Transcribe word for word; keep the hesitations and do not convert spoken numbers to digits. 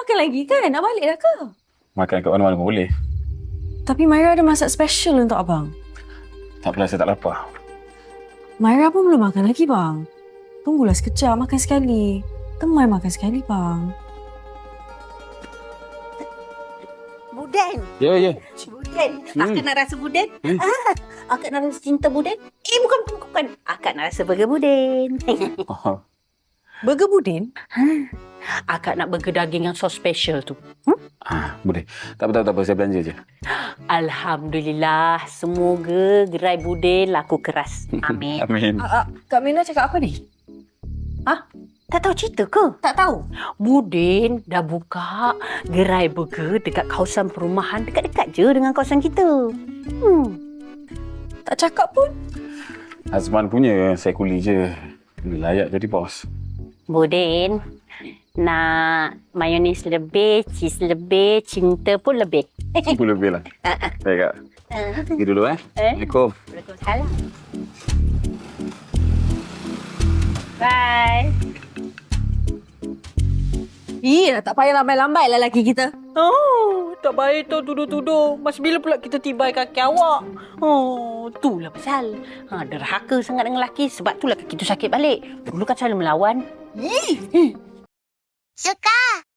makan lagi kan? Nak balik dah ke? Makan kat mana-mana pun boleh. Tapi Myra ada masak special untuk abang. Tak apalah, saya tak lapar. Myra pun belum makan lagi, bang. Tunggulah sekejap, makan sekali. Temai makan sekali, bang. Buden. Ya, ya. Buden. Hmm. Akak nak rasa Buden. Hmm. Ah, akak nak rasa cinta Buden. Eh, bukan, bukan, bukan. Akak nak rasa burger Buden. Oh, Burger Budin? Akak nak burger daging yang so special tu. ah, boleh. Tak apa, tak apa, tak apa. Saya belanja je. Alhamdulillah. Semoga gerai Buden laku keras. Amin. Amin. Uh, uh, Kak Mina cakap apa ni? Tak tahu cerita ke? Tak tahu. Buden dah buka gerai burger dekat kawasan perumahan dekat-dekat je dengan kawasan kita. Hmm. Tak cakap pun. Azman punya, saya kuli je. Layak jadi bos. Buden, nak mayonis lebih, cheese lebih, cinta pun lebih. Boleh lebih lah. Baik, Kak. Pergi dulu, eh. Eh? Assalamualaikum. Waalaikumsalam. Bye. Ih, dah tak payah lambai-lambai lah lelaki kita. Oh, tak baik tu tuduh-tuduh. Mas bila pula kita tibai kaki awak? Oh, itulah pasal. Ha, derhaka sangat dengan lelaki sebab itulah kaki tu sakit balik. Dulu kan selalu melawan. Suka.